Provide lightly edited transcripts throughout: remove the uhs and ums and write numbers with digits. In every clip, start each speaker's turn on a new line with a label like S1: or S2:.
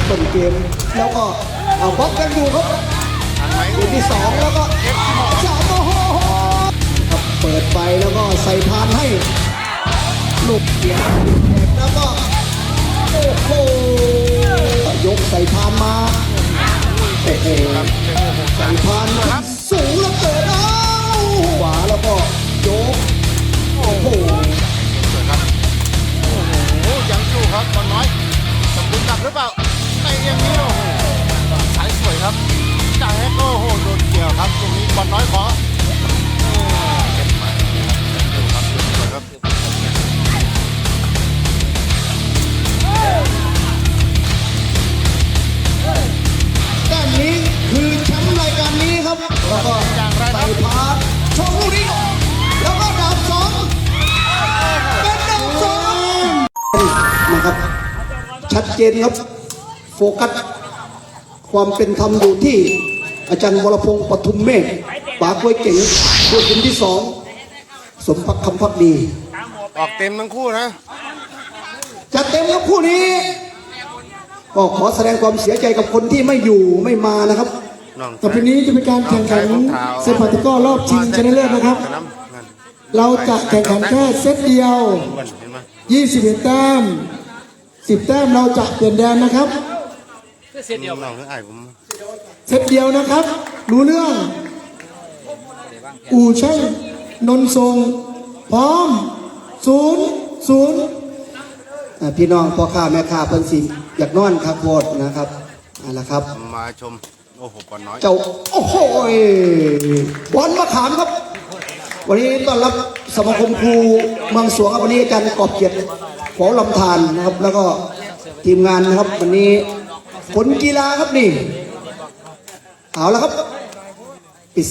S1: ต้นเกมแล้วก็เอาบล็อกกันอยู่ครับเกมที่2แล้วก็3โอ้โหครับเปิดไปแล้วก็ใส่พานให้ลูกเกียร์แล้วก็โอ้โหยกใส่พานมาโอ้โหใส่พานสูงแล้วเกิดเอาขวาแล้วก็ยกโอ้โห
S2: ยังอยู่ครับบอลน้อยสมบูรณ์กลับหรือเปล่าในอย่างนี้โอ้โหสายสวยครับจ่ายให้โอ้โหโดนเกี่ยวครับตรงนี้บอลน้อยขอเก็บมาดูครับสวยครับ
S1: แต้มนี้คือแชมป์รายการนี้ครับแล้วก็ใส่พาชมลูกนี้แล้วก็ดาบสองเป็นดาบสองนะครับชัดเจนครับโฟกัสความเป็นธรรมอยู่ที่อาจารย์วรพงศ์ปทุมเมฆปากกล้วยเก่งด้วยทีมที่2สมพักคำพักดี
S2: ออกเต็มทั้งคู่นะ
S1: จะเต็มครับคู่นี้ก็ขอแสดงความเสียใจกับคนที่ไม่อยู่ไม่มานะครับ
S3: ต่อไปนี้จะเป็นการแข่งขันเซปัตตะกร้อรอบชิงชนะเลิศนะครับเราจะแข่งขันแค่เซตเดียว21แต้ม10แต้มเราจะเปลี่ยนแดนนะครับ
S2: เซตเดียว
S3: เซตเดียวนะครับรู้เรื่องอู่ช่างนนทรงพร้อม0-0
S1: พี่น้องพ่อค้าแม่ค้าเพิ่นสิอยากนอนครับโคตรนะครับนั่นแหละครับ
S2: มาชมโอ้โหบอลน้อย
S1: เจ้าโอ้โหบอลมะขามครับวันนี้ต้อนรับสมาคมครูเมืองสวงครับวันนี้อาจารย์กอบเกียรติขอลำธารนะครับแล้วก็ทีมงานนะครับวันนี้ผลกีฬาครับนี่เอาละครับปิด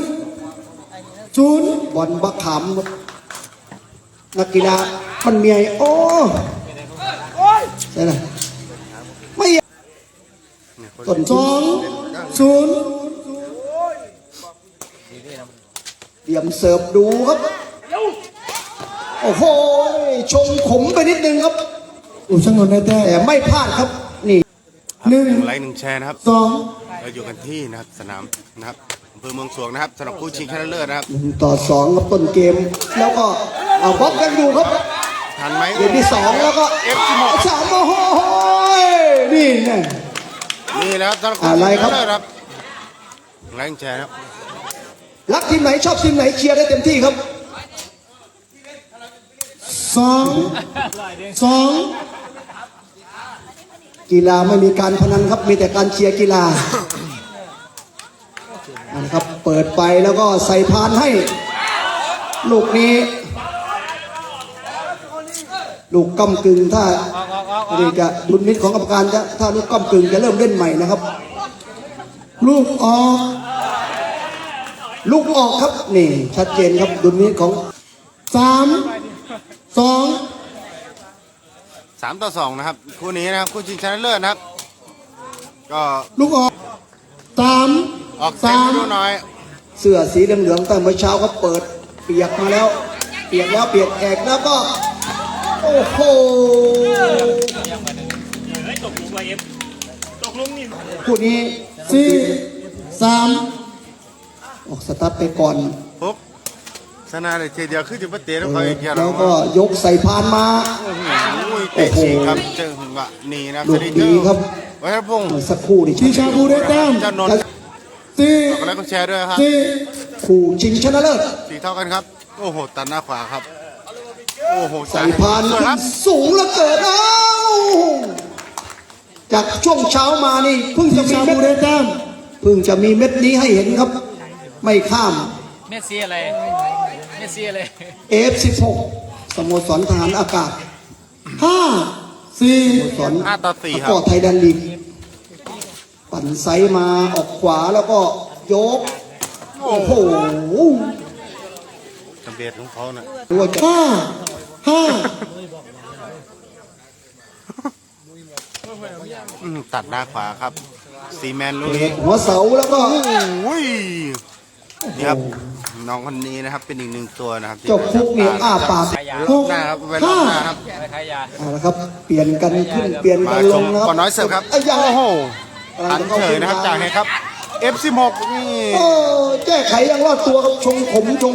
S3: 1-0
S1: บอลมะขามนักกีฬามันมีไอโอ้ใช่ไหมไม่ต้น
S3: 2-0
S1: เตรียมเสิร์ฟดูครับโอ้โหชงขมไปนิดนึงครับ
S3: อู่ช่างนนท์ได้แต้
S1: แต่ไม่พลาดครับนี่
S2: 1 ไลค์ 1 แชร์นะครับเราอยู่กันที่นะครับสนามนะครับอำเภอเมืองสวงนะครับสำหรับคู่ชิงชนะเลิศนะครับ
S1: 1-2ครับต้นเกมแล้วก็เอาบล็อกกันอยู่ครับ
S2: ทันไหม
S1: เกมที่2แล้วก็3โอ้โหนี่ไง
S2: นี่แล้วสำหรับคู่ชิงชนะเลิศครับไลค์ 1 แชร์ครับ
S1: รักทีมไหนชอบทีมไหนเชียร์ได้เต็มที่ครับ
S3: 2-2
S1: กีฬาไม่มีการพนันครับมีแต่การเชียร์กีฬานะครับเปิดไปแล้วก็ใส่พานให้ลูกนี้ลูกก้ำกึ่งถ้านี่จะดุลมิตของกรรมการจะถ้าลูกก้ำกึ่งจะเริ่มเล่นใหม่นะครับ
S3: ลูกออก
S1: ครับนี่ชัดเจนครับดุลมิตของ
S2: 3-2นะครับคู่นี้นะครับคู่ชิงชนะเลิศนะครับก็
S3: ลูกออก
S2: ออกเต็มดูหน่อย
S1: เสื้อสีเหลืองๆตั้งเมื่อเช้าเขาเปิดเปียกมาแล้วเปียกแอกแล้วก็โอ้โหคู่นี้
S3: 4-3
S1: ออกสตาร์ทไปก่อน
S2: ปุ๊บสนาเลยเดียวขึ้นจุดประเตะแล้วเขาอีก
S1: แล้วก็ยกใส่พานมา
S2: โอ้โหครับเจอหวะนี่นะ
S1: ลูกดีครับ
S2: วัชรพงศ์
S1: สักครู่ดิ
S3: ชีชาบูได้แต้ม
S2: จะนนกดไลค์กดแชร์ด้วยครับ
S1: คู่ชิงชนะเลิศ
S2: สีเท่ากันครับโอ้โหตัดหน้าขวาครับโอ้โห
S1: ใส่พานสูงแล้วเกิดแล้วจากช่วงเช้ามานี่เพิ่งจะมีเม็ด
S3: ได้แต้ม
S1: เพิ่งจะมีเม็ดนี้ให้เห็นครับไม่ข้าม
S4: เมสซี่อะไร
S1: F16 สโมสรทหารอากาศ
S3: 5-4
S1: สโมสร
S2: 5-4ครับ
S1: ก็ไทยแลนด์ลีกปั่นไซมาออกขวาแล้วก็ยกโอ้โห
S2: ทำเบียดของเขาน่ะ
S3: 5-5
S2: ตัดหน้าขวาครับซีแมนลูก
S1: หัวเสาแล้วก็
S2: นี่ครับน้องคนนี้นะครับเป็นอีกหนึ่งตัวนะครับที่
S3: เจ้าฟุกนี่อ้าปาก
S2: รอบหน้าครับไว้รอบหน้าครับ
S3: เอาละครับ เปลี่ยนกันขึ้นเปลี่ยน
S2: มา
S3: กันล
S2: ช
S3: ง
S2: ม
S3: นะครับ
S2: บอลน้อยเสิร์ฟครับ
S3: ไอ้ยา
S2: โอ้โหอันเฉยนะครับจากไหนครับ F16 นี่
S3: โอ้แก้ไขยังรอดตัวครับชงผมชง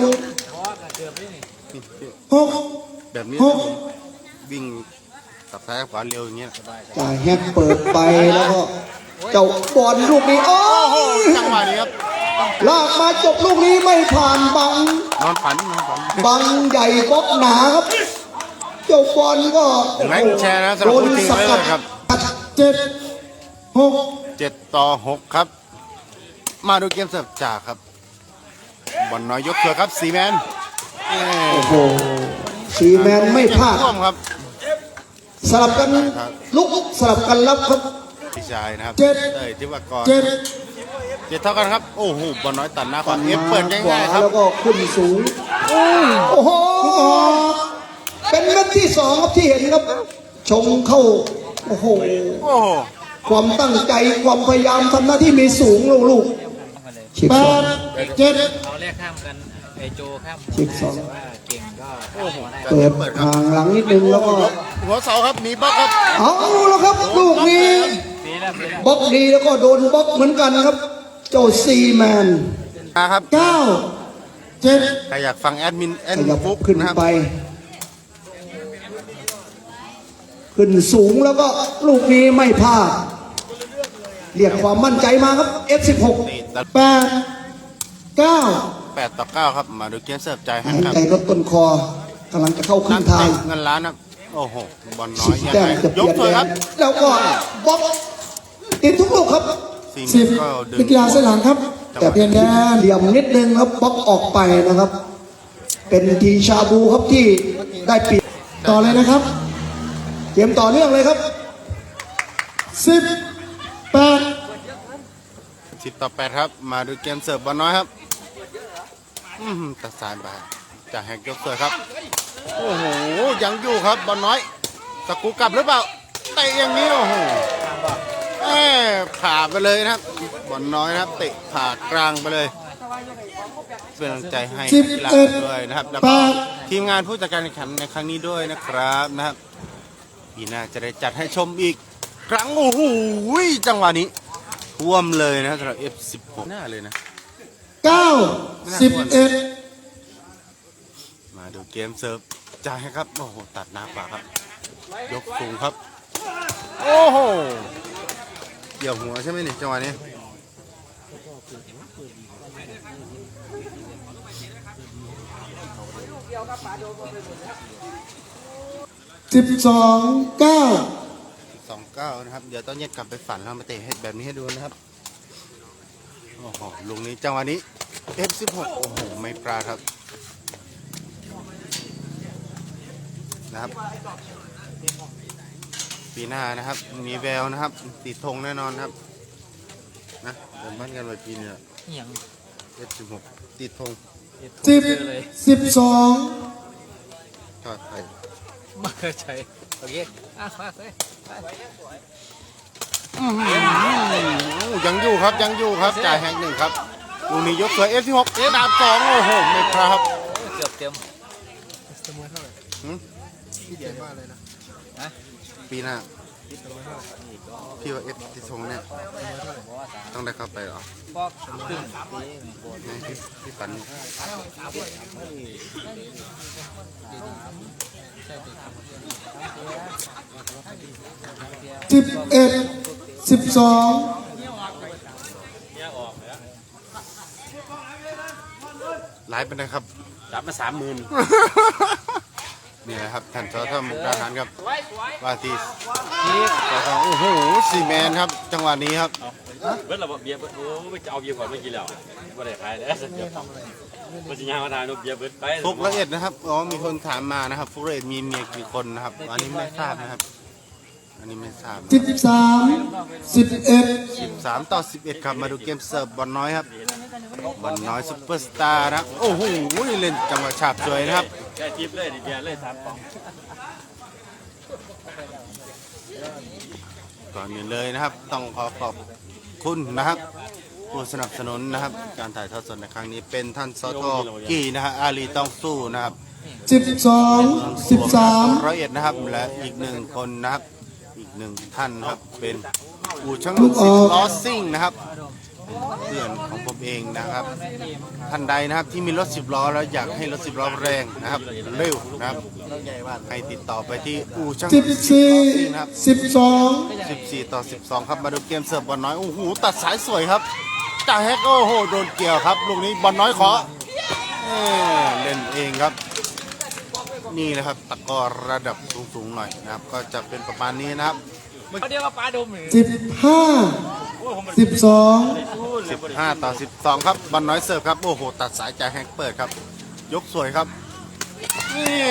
S3: หก
S2: แบบนี้วิ่งตับซ้ายกับขวาเร็วอย่างเงี้ย
S3: จ่ายแฮกเปิดไปแล้วก็เจ้าบอลลูกนี้โอ้
S2: โอ้โห
S3: ย
S2: จังหวะนี้ครับ
S3: ลากมาจบลูกนี้ไม่ผ่านบัง
S2: นอนฝัน
S3: บังใหญ่บล็อกหนาครับ เจ้าบอลก็
S2: แม็กแชร์นะสำหรับผู้จริงเลยครับ
S3: เจ็ดหก
S2: 7-6ครับ มาดูเกมเสิร์ฟจากครับบอลน้อยยกเถือครับซีแมน
S3: โอ้โหสีแมนไม่พลาด
S2: ร่วมครับ
S3: สลับกันลุกสลับกันรับครับ
S2: พี่ชายนะครับ
S3: เจ็ด
S2: เอ้ยที่ว่ากร
S3: เจ็ด
S2: 7 เท่ากันครับโอ้โหบอลน้อยตัดหน้าขวา
S3: มา
S2: เอฟเปิด
S3: ขวา
S2: ง่ายๆครับ
S3: แล้วก็ขึ้นสูงโอ้โหเป็นเม็ดที่สองครับที่เห็นครับ ชงเข้าโอ้โห
S2: โอ้โห
S3: ความตั้งใจความพยายามทำหน้าที่มีสูงลูกๆชิปสองเจ็ด
S4: เอาแรกข้ามกันไอโจข้าม
S3: ชิปสอง
S4: แต่ว่าเก่งก็
S2: โอ้โห
S3: เปิดห่างหลังนิดนึงแล้วก็
S2: หัวเสาครับหนีบล็อกครับ
S3: เอาแล้วครับลูกนี้
S4: ปีแล้วปีแล้ว
S3: บล็อกดีแล้วก็โดนบล็อกเหมือนกันครับ เจ้าซีแมน
S2: มาครับ
S3: เก้าเจ็ด
S2: ใครอยากฟังแอดมิน
S3: ขยับ
S2: ฟุก
S3: ขึ้น
S2: นะครับ
S3: ไป ขึ้นสูงแล้วก็ลูกนี้ไม่พลาดเรียกความมั่นใจมาครับ F16
S2: นี่ตัด
S3: 8 9
S2: 8-9ครับมาดูเกมเสิร์ฟใจให้
S3: หาย
S2: ครับ
S3: ใจลดต้นคอกำลังจะเข้าครึ่
S2: นั
S3: ง
S2: ก
S3: ทาง
S2: เตะเงินล้านครับโอ้โหบอลน้อ
S3: สิ
S2: ย
S3: บ
S2: ยัง
S3: แต้ม
S2: ไง
S3: จะเป
S2: ย
S3: ลี่
S2: ก
S3: ยน
S2: เถอะครับ
S3: แล้วก็บล็อกติดทุกลูกครับ
S2: 10ก็ดึง
S3: นักกีฬาเส้นหลังครับ แต่เพียงแค่เหลี่ยมนิดนึงครับบล็อกออกไปนะครับ เป็นทีชาบูครับที่ได้เปรียบต่อเลยนะครับเกมต่อเนื่องเลยครับ18
S2: 10-8ครับมาดูเกมเสิร์ฟบอลน้อยครับตัดสายไปจากแฮกยกเสิร์ฟครับโอ้โหยังอยู่ครับบอลน้อยตะกูกลับหรือเปล่าเตะอย่างนี้โอ้โหผ่าไปเลยนะครับบอลน้อยนะครับเตะผ่ากลางไปเลยเป็นกำลังใจให้กีฬาด้วยนะครับแล้วก็ทีมงานผู้จัดการแข่งขันในครั้งนี้ด้วยนะครับปีหน้าจะได้จัดให้ชมอีกครั้งโอ้โหจังหวะนี้ท่วมเลยนะสำหรับ F16 หน้าเลยนะ
S3: 9 11
S2: มาดูเกมเซิร์ฟจ่ายให้ครับโอ้โหตัดหน้าขวาครับยกสูงครับโอ้โหเกี่ยวหัวใช่ไหมนี่จังหวะนี้
S3: 12 9
S2: 2-9นะครับเดี๋ยวต้องแยกกลับไปฝันแล้วมาเตะให้แบบนี้ให้ดูนะครับโอ้โหลุงนี้จังหวะนี้ F16 โอ้โหไม่ปลาดครับนะครับปีหน้านะครับมีแววนะครับติดธงแน่นอนครับนะเดินบ้านกันวันปีนี้
S4: อย่าง
S2: F16 ติดธง
S3: 10 12
S2: ทอดไทย
S4: มาเคยใช้โอเคมาเลย
S2: ยังอยู่ครับยังอยู่ครับจ่ายแฮงหนึ่งครับลูกนี้ยกสวย F16 ดาบสองโอ้โหไม่พลาดครับ
S4: เกือบเต็ม
S2: ปีหน้าพี่ว่า F ติดธงเนี่ยต้องได้เข้าไปเหรอ
S4: ฟอกครึ่ง
S2: พี่ปัน
S3: 11 12
S2: ไลฟ์ไปนะครับ
S4: รับมา30,000
S2: นี่แหละครับท่านสทมุกดาหารครับว่าที่สทโอ้โหซีแมนครับจังหวะนี้ครับ
S5: เบิร์ดเราเบียร์เบิร์ดโอ้ไม่จะเอาเบียร์ก่อนไม่กินแล้วไม่ได้ขายแล้วเดี๋ยวมันจะย่างมาทานเบียร์เบิร์ดไป
S2: ฟุกละเอียดนะครับอ๋อมีคนถามมานะครับฟุกละเอียดมีเมียกี่คนนะครับอันนี้ไม่ทราบนะครับอันนี้ไม่ทราบ
S3: 13 11
S2: 3-11ครับมาดูเกมเสิร์ฟบอลน้อยครับบอลน้อยซุปเปอร์สตาร์นะครับโอ้โหเล่นจังหวะฉาบสวยนะครับ
S5: แค่ทิปเลยเบียร์เลย3 ป๋อง
S2: ก่อนอื่นเลยนะครับต้องขอขอบคุณนะครับผู้สนับสนุนนะครับ การถ่ายทอดสดในครั้งนี้เป็นท่านสทกี้นะฮะอาลีต้องสู้นะครับ
S3: 12 13
S2: ร้อยเอ็ดนะครับและอีกหนึ่งคนนะครับอีกหนึ่งท่านนะครับเป็นอู่ช่าง
S3: ลูกอ
S2: สิ
S3: อบ ก
S2: ล้อซิ่งนะครับเป็นเพื่อนของผมเองนะครับท่านใดนะครับที่มีรถ10 ล้อแล้วอยากให้รถ10 ล้อแรงนะครับเร็วนะครับให้ติดต่อไปที่อู่ช่างนะครับ
S3: 14
S2: 14 ต่อ 12 ครับมาดูเกมเสิร์ฟบอลน้อยโอ้โหตัดสายสวยครับจ่าแฮกโอ้โหโดนเกี่ยวครับลูกนี้บอลน้อยขอเล่นเองครับนี่นะครับตะกร้อระดับสูงๆหน่อยนะครับก็จะเป็นประมาณนี้นะครับ
S4: เขาเรียกว่าปลาดมหรือ
S3: 15 12
S2: 15 ต่อ 12 ครับบอลน้อยเสิร์ฟครับโอ้โหตัดสายจ่าแฮกเปิดครับยกสวยครับนี่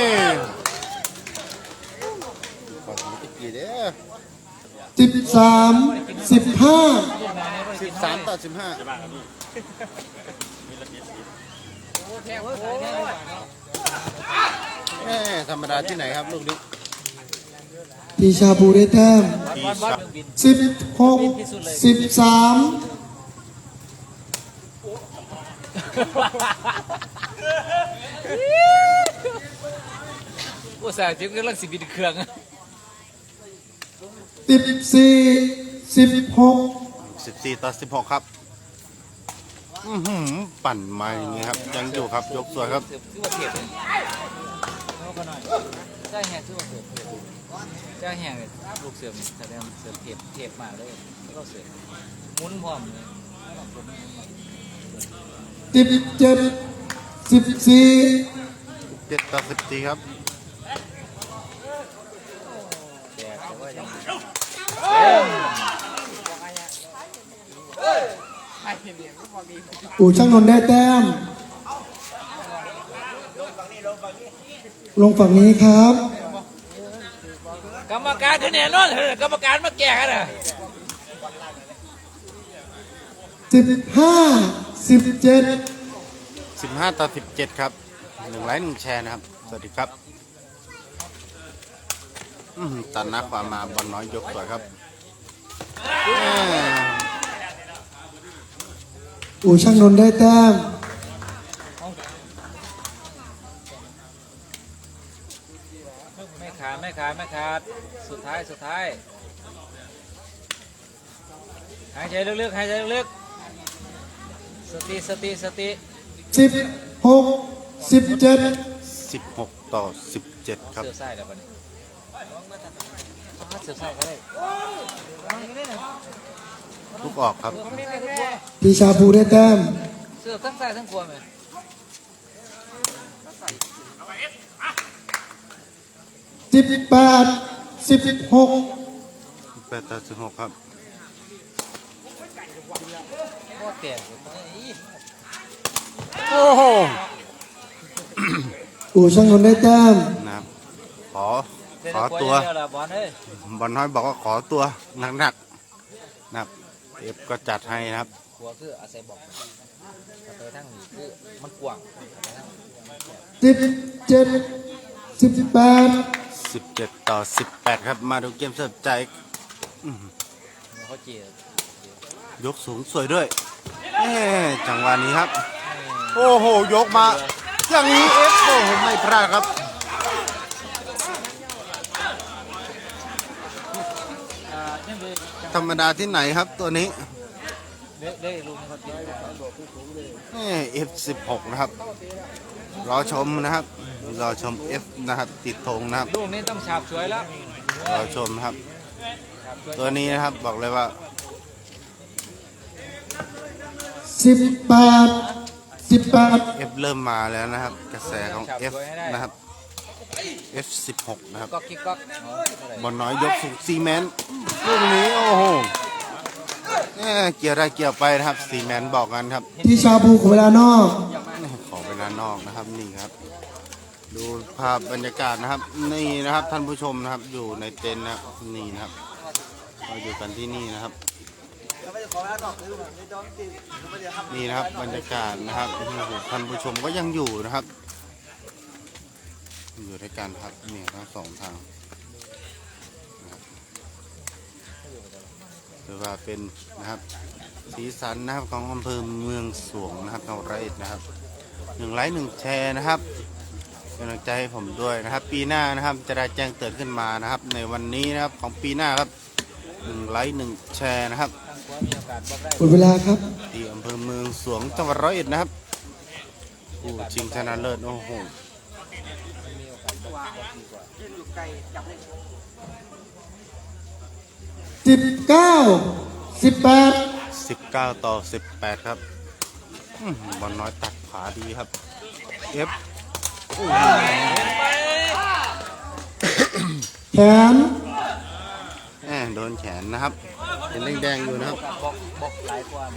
S2: ขอสมิติกีเด้อ
S3: 13 15
S2: 13 ต่อ 15ธรรมดาที่ไหนครับลูกนี้
S3: ทีชาบูได้แต้ม
S2: ทีชา
S3: 16 13
S4: อุตส่าห์จิ้มกำลังสิบินเครื่อง
S3: 14 16
S2: 14 ต่อ 16 ครับปั่นมาอย่างนี้ครับยังอยู่ครับยกสวยครับ
S4: เสือคือว่าเทียบเลยใช่แหงคือว่าเสือเทียบใช่แหงเลยลูกเสือแสดงเสือเทียบมากเลยแล้วก็เสือมุนพร้อมเลย
S3: 17 14
S2: 7 ต่อ 14 ครับ
S4: แต่ว่ายัง
S3: อู่ช่างนนท์ได้แต้ม ลงฝั่งนี้ครับ
S4: กรรมการคะแนนนั่นกรรมการมาแก่กันอ่ะ
S3: 15 17
S2: 15 ต่อ 17 ครับ1 ไลค์ 1 แชร์นะครับสวัสดีครับตัดหน้าความมาบอลน้อยยกสวยครับ
S3: อู่ช่างนนท์ได้แต้ม
S4: ไม่ขาดสุดท้ายหายใจลึกๆสติ
S3: 16 17
S2: 16 ต่อ 17 ครับ
S4: เสือไส้แล้วปะเนี่ยเสือไส้ก็ได้
S2: ลูกออกครับ
S3: ทีชาบูได้แต้ม
S4: เสือทั้งไส้ทั้งกลัวไหม
S3: 18 16
S2: 8 ต่อ 16 ครับ
S4: โคตรเตี่ย
S2: โอ้โห
S3: อู่ช่างนนท์ได้แต้ม
S2: นะครับขอตัว
S4: บอลเอ้ย
S2: บอลน้อยบอกว่าขอตัวหนักๆนะครับเอฟก็จัดให้นะครับ
S4: กลัวคืออาศัยบอกไปทั้งนี้คือมันกว้าง
S3: 17 18
S2: 17 ต่อ 18 ครับมาดูเกมเสิร์ฟใจ
S4: เขาเจีย
S2: ยกสูงสวยด้วยจังหวะนี้ครับ โอ้โหยกมาอย่างนี้เอฟโอ้โหไม่พลาดครับ ธรรมดาที่ไหนครับตัวนี้
S4: ได้ลุงเขาเจีย
S2: F16 นะครับรอชมนะครับรอชม F นะครับติดธงนะครับ
S4: ลูกนี้ต้องฉาบสวยแล้ว
S2: รอชมนะครับ ตัวนี้นะครับบอกเลยว่า
S3: 18
S2: F เริ่มมาแล้วนะครับ กระแสของ F นะครับ F16 นะครับ
S4: ก็คิกก็
S2: บอลน้อยยกสูงซีเมนต์ลูกนี้โอ้โหเกี่ยวได้เกี่ยวไปนะครับซีเมนต์บอกกันครับ
S3: ทีชาบูของเวลานอก
S2: ขอเวลานอกนะครับนี่ครับ ดูภาพบรรยากาศนะครับ นี่นะครับท่านผู้ชมนะครับอยู่ในเต็นท์นะครับนี่นะครับเราอยู่กันที่นี่นะครับ นี่นะครับบรรยากาศนะครับโอ้โหท่านผู้ชมก็ยังอยู่นะครับ อยู่ด้วยกันครับนี่ทั้งสองทางนะครับถือว่าเป็นนะครับสีสันนะครับของอำเภอเมืองสวงนะครับจังหวัดร้อยเอ็ดนะครับ1 ไลค์ 1 แชร์นะครับเป็นกำลังใจให้ผมด้วยนะครับ ปีหน้านะครับจะได้แจ้งเตือนขึ้นมานะครับในวันนี้นะครับของปีหน้าครับ1 ไลค์ 1 แชร์นะครับ
S4: ทางขวามีโอกาสบอกได้
S3: หมดเวลาครับ
S2: ที่อำเภอเมืองสวงจังหวัดร้อยเอ็ดนะครับผู้ชิงชนะเลิศโอ้โห
S4: มีโอกาสบอกดีกว่า
S3: 19 18
S2: 19-18ครับบอลน้อยตัดขาดีครับF
S3: แขน
S2: โดนแขนนะครับเป็นแดงๆอยู่นะครับ
S4: บอกหลายกว่าไหม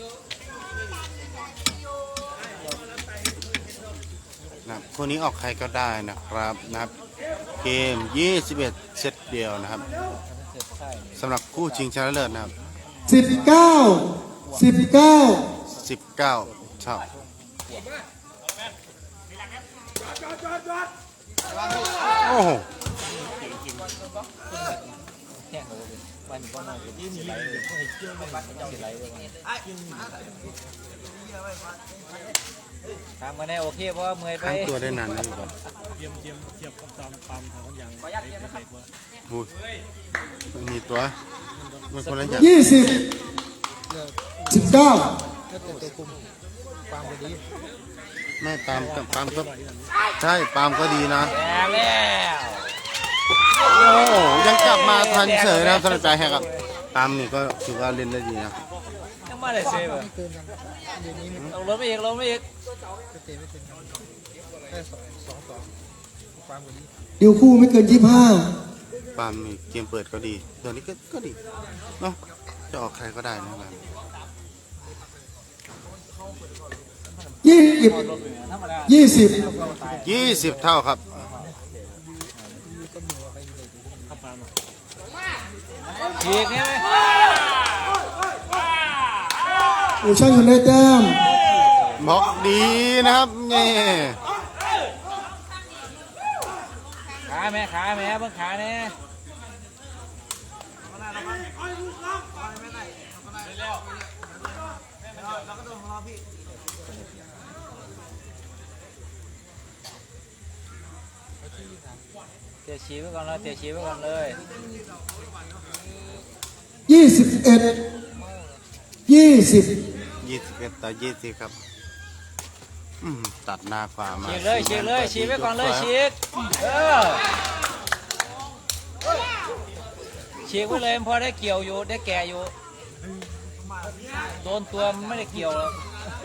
S2: นะครับคู่นี้ออกใครก็ได้นะครับนะครับเกม21เซตเดียวนะครับ
S4: เกิดใช่
S2: สำหรับคู่ชิงชนะเลิศนะครับ
S3: 19
S2: 19 เท่าโอ้โห
S4: แห้งเลยมันก็นอนอยู่ที่สีไหลเลยสีไหลเลยทำมาแน่โอเคเพราะว่าเมื่อยไป
S2: ข้างตัวได้นานนะอยู่ก่อน
S6: เทียบกับตามปั๊มทางคนยังเด็กว่า
S2: อุ้ยมันมีตัวมันคนละอย่าง
S3: 20 19
S2: ไม่ปาล์มกับปาล์มก็ใช่ปาล์มก็ดีนะ
S4: แล้ว
S2: โอ้โหยังกลับมาทันเฉยนะครับสำหรับใจแฮกครับปาล์มนี่ก็ถือว่าเล่นได้ดีนะ
S4: ยังไม่ได้เซฟลงรถไปอีกลงไปอีก
S3: ดิวคู่ไม่เกิน
S2: ปาล์มนี่เกมเปิดก็ดีตัวนี้ก็ดีเนาะจะออกใครก็ได้นะครับ
S3: 25 20
S2: 20 เท่าครับ
S4: ฉีกเนี่ยไหม
S3: อู่ช่างคนได้แต้ม
S2: บล็อกดีนะครับนี่
S4: ขาแม่เพิ่งขาเนี่ยเตะฉีไว้ก่อนเลยเตะฉีไว้ก่อนเลย
S3: 21 20
S2: 21 ต่อ 20 ครับตัดหน้าขวามา
S4: ฉีกเลยฉีกไว้ก่อนเลยฉีกฉีกไว้เลยพอได้เกี่ยวอยู่ได้แก่อยู่โดนตัวมันไม่ได้เกี่ยวแล้ว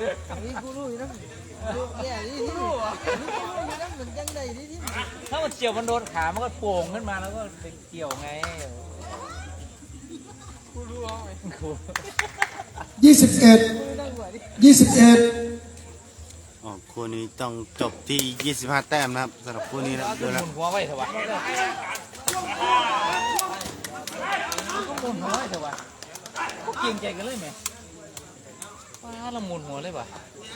S4: ถ้ามันเกี่ยวมันโดนขามันก็โป่งขึ้นมาแล้วก็ไปเกี่ยวไง
S3: 21
S2: คู่นี้ต้องจบที่ 25 แต้มนะครับสำหรับคู่นี้นะดู
S4: ห
S2: แล้ว
S4: มุนหัวไว้เถอะวะหมุนหัวไว้เถอะวะก็เกรงใจกันเลยไหมว้าเราหมุนหัวเลยปะ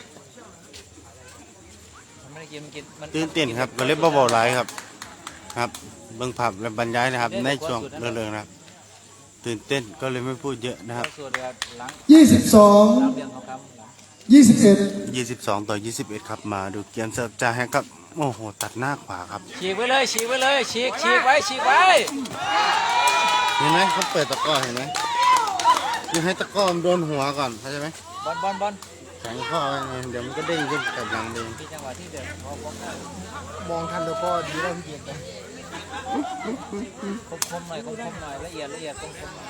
S4: มันไม่ได้กินมันกินมัน
S2: ตื่นเต้นครับก็เล่นเบาๆไลฟ์ครับครับเบิ่งผับและบรรยายนะครับในช่วงเรื่องนะครับตื่นเต้นก็เลยไม่พูดเยอะนะครับ
S4: ส่วนเรือหลัง
S3: 22
S4: เรียงเขาคำ
S3: 21
S2: 22 ต่อ 21 ครับมาดูเกมเสิร์ฟจ่าแฮกครับโอ้โหตัดหน้าขวาครับ
S4: ฉีกไว้เลยฉีกไว้เลยฉีกไว้
S2: เห็นไหมเขาเปิดตะกร้อเห็นไหมยังให้ตะกร้อมันโดนหัวก่อนเข้าใจไหม
S4: บอล
S2: แข็งข้อไว้ไงเดี๋ยวมันก็เด้งขึ้นกับหลังเด้ง
S4: ที่จังหวะที่เดินพอ
S6: มองทันแล้วก็ดีแล้วพี่เกียรติ
S4: คมหน่อยละเอียดคมหน่อย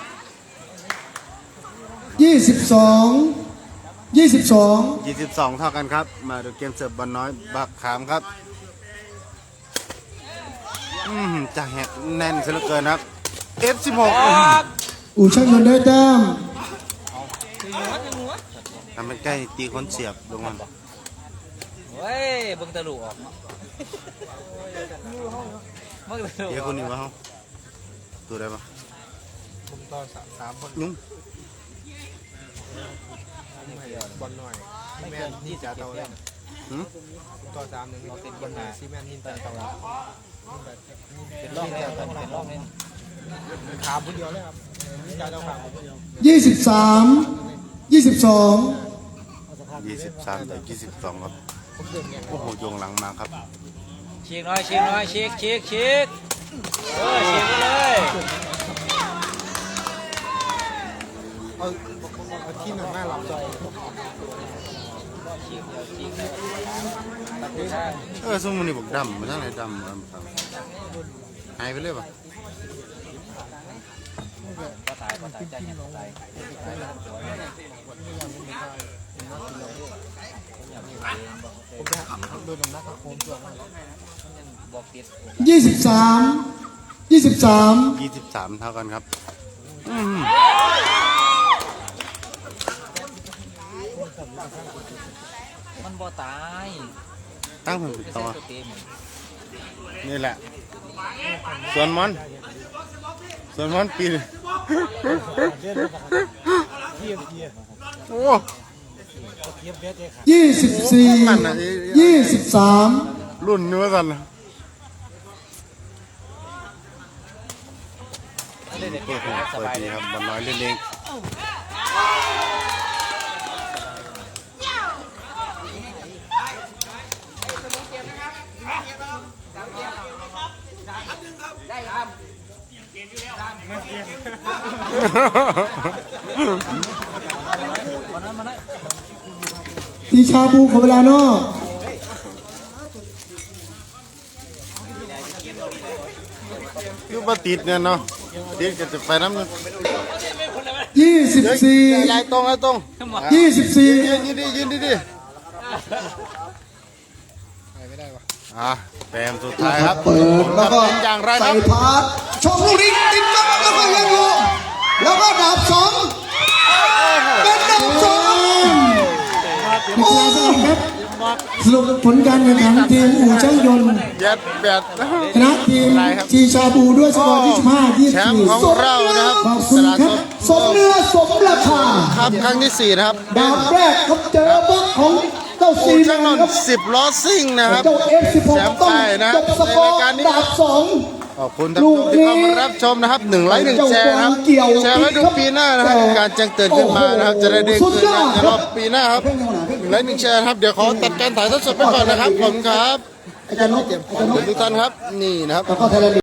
S3: 22
S2: 22 เท่ากันครับมาดูเกมเสิร์ฟบอลน้อยบักขามครับจ่าแฮกแน่นซะเหลือเกินครับ F16
S3: อู่ช่างคนได้แต้ม
S2: ทำเป็นใกล้ตีคนเสียบลงมา
S4: เฮ้ยเบิ่งตะลุออกเนาะเบิ่งตะลุ
S2: เดี๋ยวคนนี้วะเขาตัวได้ปะ
S6: ผมต่อ3 คน
S2: นุ่ม
S6: บอลหน่อย
S4: ไม่
S6: แม่
S4: เกิน
S6: นี่จะเตา
S4: 20
S6: แล้
S4: เล่
S6: ว
S4: ม
S6: ต่อ3 1เป็นบอลหน่อยซีแมนนินตาเตา
S4: เป็นร่องเนี่ยเป็นร่องเนี่ย
S6: ขาคนเดียวเลยครับนี่จะเตาขาคนเดียว
S3: 23
S2: 23 ต่อ 22 ครับ โอ้โหโยงหลังมาครับ
S4: ฉีกหน่อยฉีกหน่อยฉีกฉีกฉีกฉีกไปเลย
S2: เอาที่หนึ่งหน้าหลับใจ
S4: ฉีกเดี๋ยวฉีกเลย
S2: สมมุติบอกดำมาทั้งไหนดำหายไปเลยป่ะ
S4: ก็ตายใจเห็นตายบอกติด
S3: 23
S2: 23 เท่ากันครับ
S4: มันบ่ตาย
S2: ตั้งเพิ่งติดต่อ
S4: เต็ม
S2: นี่แหละ ส่วนมันปีนโอ้
S3: 23
S2: รุ่นเนื้อกัน
S4: เล่นเด็ก
S2: โอ้โห
S4: ส
S2: สวั
S4: บา
S2: ส
S4: ย
S2: ดี
S4: เลย
S2: ครับบอลน้อยเล่นเอง
S3: ตีชาบูขอเวลานอก
S2: คือว่าติดเนี่ยเนาะติดก็จะไปน้ำ
S3: 24
S2: ลายตรง
S3: 24
S2: ยืนดีแต้มสุดท้ายครับ
S1: เปิดแล้วก็
S2: เป็นอย่างไรค
S1: ใส่
S2: รับ
S1: พาสชมลูกนี้ติดกับแล้วก็ยังอยู่แล้วก็ดาบสองเป็นดาบสอง
S3: นักกีฬาสนามครับสรุปผลการแข่งขันทีมอู่ช่างยนต์
S2: ยัดแบด
S3: ชนะทีมชีชาบูด้วยสกอร์25
S2: แชมป์ของเรานะครับ
S3: ขอบคุณครับ
S1: สมเนื้อสมราคา
S2: ครับครั้งที่ 4 นะครับ
S1: ดาบแรกครับเจอบล็อกของเจ้า
S2: อู
S1: ซี
S2: ช่างนน
S1: ครับ
S2: ท์10 ล้อซิ่งนะครับ
S1: เจ้า F16
S2: แชมป์
S1: ต้อง
S2: ไปนะ
S1: จบสกอร์
S2: ในรายการนี้
S1: ดาบสอง
S2: ขอบคุณท่านผู้ชมที่เข้ามารับชมนะครับ1 ไลค์ 1 แชร์นะครับแชร์ไว้ดูปีหน้านะครับการแจ้งเตือนขึ้นมานะครับจะได้เด้งขึ้นในรอบปีหน้าครับ1 ไลค์ 1 แชร์ครับเดี๋ยวขอตัดการถ่ายทอดสดไปก่อนนะครับผมครับ
S1: อาจารย์นก
S2: ขอบคุณทุกท่านครับนี่นะครับ
S1: แล้วก็ไทยแลนด์